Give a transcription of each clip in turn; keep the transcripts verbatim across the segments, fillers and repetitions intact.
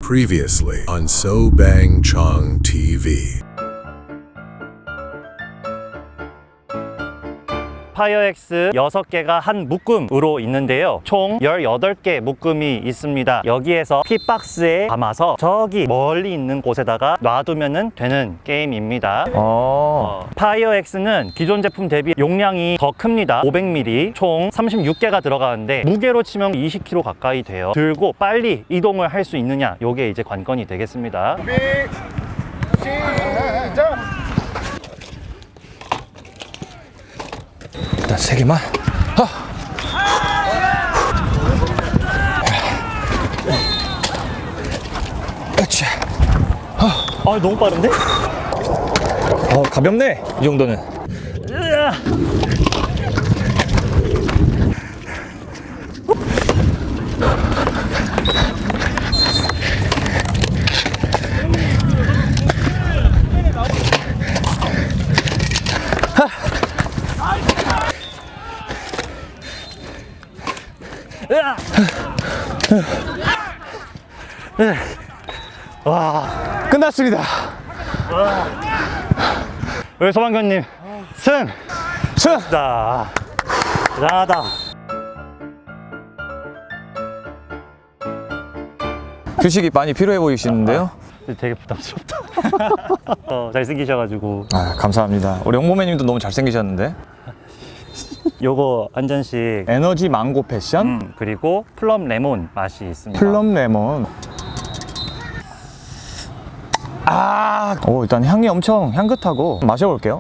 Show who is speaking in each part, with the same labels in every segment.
Speaker 1: Previously on So Bang Chong 티비.
Speaker 2: 파이어엑스 여섯 개가 한 묶음으로 있는데요. 총 열여덟 개 묶음이 있습니다. 여기에서 핏박스에 담아서 저기 멀리 있는 곳에다가 놔두면 되는 게임입니다. 어, 파이어엑스는 기존 제품 대비 용량이 더 큽니다. 오백 밀리리터, 총 삼십육 개가 들어가는데 무게로 치면 이십 킬로그램 가까이 돼요. 들고 빨리 이동을 할 수 있느냐, 요게 이제 관건이 되겠습니다.
Speaker 3: 준비, 시작!
Speaker 4: 일단 세 개만. 하. 으쌰.
Speaker 2: 아, 너무 빠른데?
Speaker 4: 어, 가볍네. 이 정도는.
Speaker 2: 으아. 와,
Speaker 4: 끝났습니다.
Speaker 2: 우리 소방관님 승!
Speaker 4: 승!
Speaker 2: 자, 대단하다.
Speaker 4: 휴식이 많이 필요해 보이시는데요?
Speaker 2: 되게 부담스럽다. 어, 잘생기셔가지고.
Speaker 4: 아, 감사합니다. 우리 홍보매님도 너무 잘생기셨는데.
Speaker 2: 요거 한 잔씩.
Speaker 4: 에너지 망고 패션,
Speaker 2: 음, 그리고 플럼 레몬 맛이 있습니다.
Speaker 4: 플럼 레몬. 아, 오, 일단 향이 엄청 향긋하고 마셔볼게요.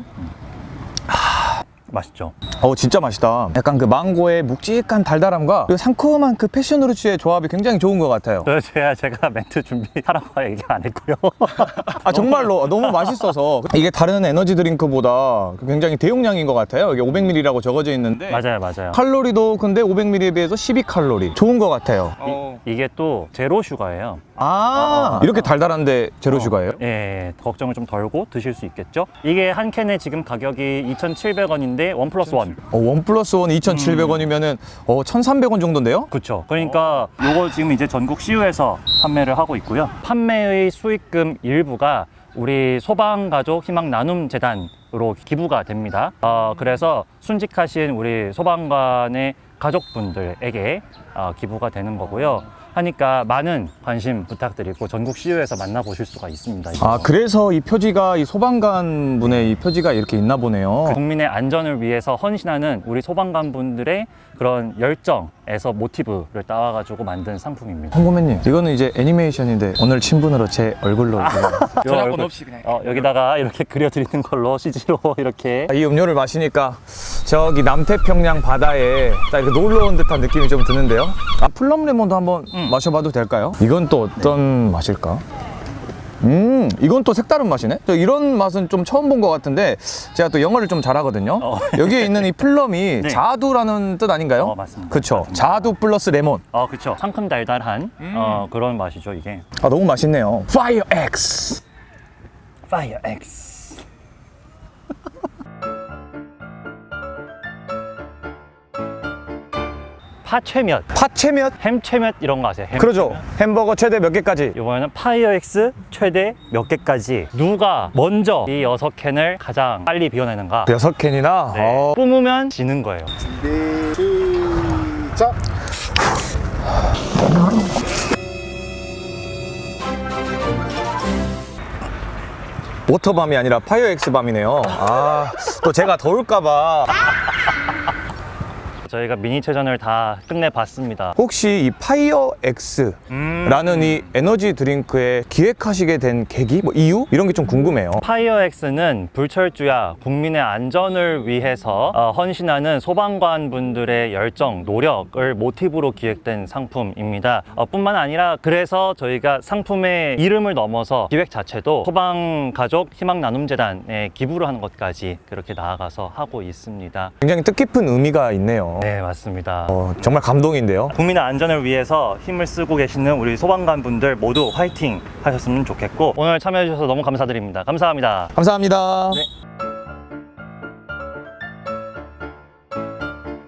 Speaker 2: 맛있죠?
Speaker 4: 어, 진짜 맛있다. 약간 그 망고의 묵직한 달달함과 그리고 상큼한 그 패션후르츠의 조합이 굉장히 좋은 것 같아요.
Speaker 2: 저 제가 제가 멘트 준비하라고 얘기 안 했고요.
Speaker 4: 아, 정말로 너무 맛있어서. 이게 다른 에너지 드링크보다 굉장히 대용량인 것 같아요. 이게 오백 밀리리터라고 적어져 있는데
Speaker 2: 맞아요, 맞아요.
Speaker 4: 칼로리도 근데 오백 밀리리터에 비해서 십이 칼로리. 좋은 것 같아요.
Speaker 2: 이, 이게 또 제로 슈가예요.
Speaker 4: 아, 이렇게 달달한데 제로 슈가예요?
Speaker 2: 예, 걱정을 좀 덜고 드실 수 있겠죠? 이게 한 캔에 지금 가격이 이천칠백 원인데 원 플러스 원.
Speaker 4: 어, 원 플러스 원 이천칠백 원이면은 어, 천삼백 원 정도인데요?
Speaker 2: 그렇죠. 그러니까 요거 지금 이제 전국 씨유에서 판매를 하고 있고요. 판매의 수익금 일부가 우리 소방가족 희망 나눔 재단으로 기부가 됩니다. 어, 그래서 순직하신 우리 소방관의 가족분들에게 어, 기부가 되는 거고요. 하니까 많은 관심 부탁드리고 전국 씨유에서 만나보실 수가 있습니다. 이거.
Speaker 4: 아, 그래서 이 표지가 이 소방관 분의 이 표지가 이렇게 있나 보네요.
Speaker 2: 국민의 안전을 위해서 헌신하는 우리 소방관 분들의 그런 열정에서 모티브를 따와가지고 만든 상품입니다.
Speaker 4: 홍보매님, 이거는 이제 애니메이션인데 오늘 친분으로 제 얼굴로
Speaker 2: 저작권 없이 그냥 어, 여기다가 이렇게 그려드리는 걸로 씨지로 이렇게.
Speaker 4: 이 음료를 마시니까 저기 남태평양 바다에 딱 이렇게 놀러 온 듯한 느낌이 좀 드는데요. 아, 플럼 레몬도 한번
Speaker 2: 음.
Speaker 4: 마셔봐도 될까요? 이건 또 어떤 맛일까? 음, 이건 또 색다른 맛이네. 저 이런 맛은 좀 처음 본 것 같은데 제가 또 영어를 좀 잘하거든요.
Speaker 2: 어.
Speaker 4: 여기에 있는 이 플럼이
Speaker 2: 네.
Speaker 4: 자두라는 뜻 아닌가요?
Speaker 2: 어, 맞습니다.
Speaker 4: 그쵸.
Speaker 2: 맞습니다.
Speaker 4: 자두 플러스 레몬.
Speaker 2: 어, 그쵸. 상큼 달달한 어, 그런 맛이죠, 이게.
Speaker 4: 아, 너무 맛있네요. 파이어 X.
Speaker 2: 파이어 X. 파채면,
Speaker 4: 파채면?
Speaker 2: 햄채면 이런 거 아세요? 햄
Speaker 4: 그러죠. 햄버거 최대 몇 개까지?
Speaker 2: 이번에는 파이어엑스 최대 몇 개까지 누가 먼저 이 여섯 캔을 가장 빨리 비워내는가.
Speaker 4: 여섯 캔이나?
Speaker 2: 네.
Speaker 4: 어.
Speaker 2: 뿜으면 지는 거예요.
Speaker 3: 준비, 시작!
Speaker 4: 워터밤이 아니라 파이어 X 밤이네요. 아, 또 제가 더울까봐.
Speaker 2: 저희가 미니체전을 다 끝내봤습니다.
Speaker 4: 혹시 이 파이어 X라는 이 에너지 드링크에 기획하시게 된 계기? 뭐 이유? 이런 게 좀 궁금해요.
Speaker 2: 파이어엑스는 불철주야 국민의 안전을 위해서 어, 헌신하는 소방관 분들의 열정, 노력을 모티브로 기획된 상품입니다. 어, 뿐만 아니라 그래서 저희가 상품의 이름을 넘어서 기획 자체도 소방가족 희망나눔재단에 기부를 하는 것까지 그렇게 나아가서 하고 있습니다.
Speaker 4: 굉장히 뜻깊은 의미가 있네요.
Speaker 2: 네, 맞습니다.
Speaker 4: 어, 정말 감동인데요.
Speaker 2: 국민의 안전을 위해서 힘을 쓰고 계시는 우리 소방관 분들 모두 화이팅 하셨으면 좋겠고, 오늘 참여해 주셔서 너무 감사드립니다. 감사합니다.
Speaker 4: 감사합니다.
Speaker 2: 네.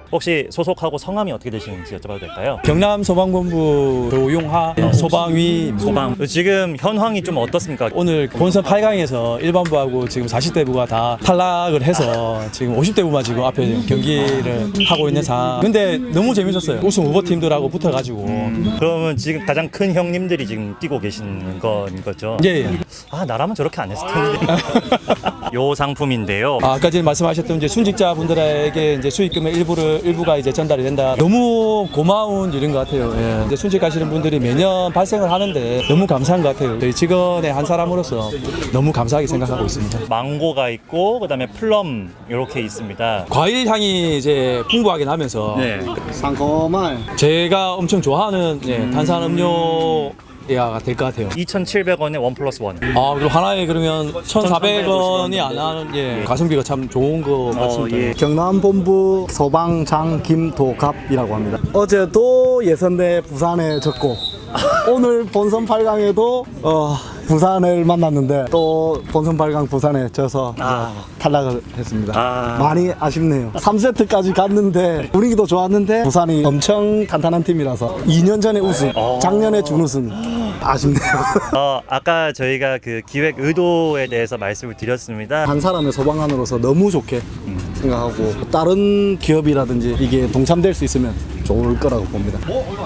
Speaker 2: 혹시 소속하고 성함이 어떻게 되시는지 여쭤봐도 될까요?
Speaker 5: 경남 소방본부 도용하 소방위
Speaker 2: 소방. 지금 현황이 좀 어떻습니까?
Speaker 5: 오늘 본선 팔 강에서 일반부하고 지금 사십 대부가 다 탈락을 해서 지금 오십 대부만 지금 앞에 경기를 하고 있는 상황. 근데 너무 재밌었어요. 우승 후보팀들하고 붙어가지고.
Speaker 2: 그러면 지금 가장 큰 형님들이 지금 뛰고 계신 건 거죠?
Speaker 5: 예, 예.
Speaker 2: 아, 나라면 저렇게 안 했을 텐데. 요 상품인데요.
Speaker 5: 아, 아까 전에 말씀하셨던 이제 순직자분들에게 이제 수익금의 일부를 일부가 이제 전달이 된다. 너무 고마운 일인 것 같아요. 예. 이제 순직하시는 분들이 매년 발생을 하는데 너무 감사한 것 같아요. 저희 직원의 한 사람으로서 너무 감사하게 생각하고 있습니다.
Speaker 2: 망고가 있고 그다음에 플럼 이렇게 있습니다.
Speaker 5: 과일 향이 이제 풍부하게 나면서
Speaker 2: 네.
Speaker 3: 상콤한
Speaker 5: 제가 엄청 좋아하는 예, 탄산음료 가 될 것 같아요.
Speaker 2: 이천칠백 원에 원 플러스 원.
Speaker 5: 아, 그리고 하나에 그러면 천사백 원이 안 하는 예, 가성비가 참 좋은 것 같습니다.
Speaker 2: 예.
Speaker 3: 경남본부 소방장 김도갑이라고 합니다. 어제도 예선대 부산에 졌고 오늘 본선 팔 강에도 어, 부산을 만났는데 또 본선 팔 강 부산에 져서
Speaker 2: 아.
Speaker 3: 탈락을 했습니다.
Speaker 2: 아.
Speaker 3: 많이 아쉽네요. 삼 세트까지 갔는데 분위기도 좋았는데 부산이 엄청 탄탄한 팀이라서 이 년 전에 우승, 작년에 준우승. 아쉽네요.
Speaker 2: 어, 아까 저희가 그 기획 의도에 대해서 말씀을 드렸습니다.
Speaker 3: 한 사람의 소방관으로서 너무 좋게 생각하고 다른 기업이라든지 이게 동참될 수 있으면 좋을 거라고 봅니다.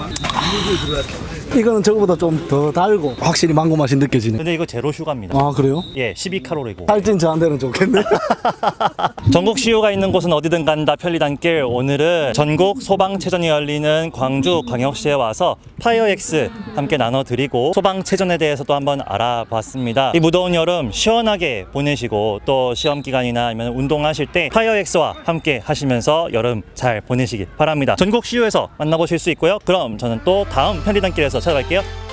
Speaker 3: 이거는 저거보다 좀 더 달고 확실히 망고 맛이 느껴지네.
Speaker 2: 근데 이거 제로 슈가입니다.
Speaker 3: 아 그래요?
Speaker 2: 예, 십이 칼로리고.
Speaker 3: 살찐 저한테는 좋겠네.
Speaker 2: 전국 시효가 있는 곳은 어디든 간다 편리단길. 오늘은 전국 소방체전이 열리는 광주 광역시에 와서 파이어엑스 함께 나눠드리고 소방체전에 대해서도 한번 알아봤습니다. 이 무더운 여름 시원하게 보내시고 또 시험기간이나 아니면 운동하실 때 파이어엑스와 함께 하시면서 여름 잘 보내시기 바랍니다. 전국 시효에서 만나보실 수 있고요. 그럼 저는 또 다음 편리단길에서 찾아갈게요.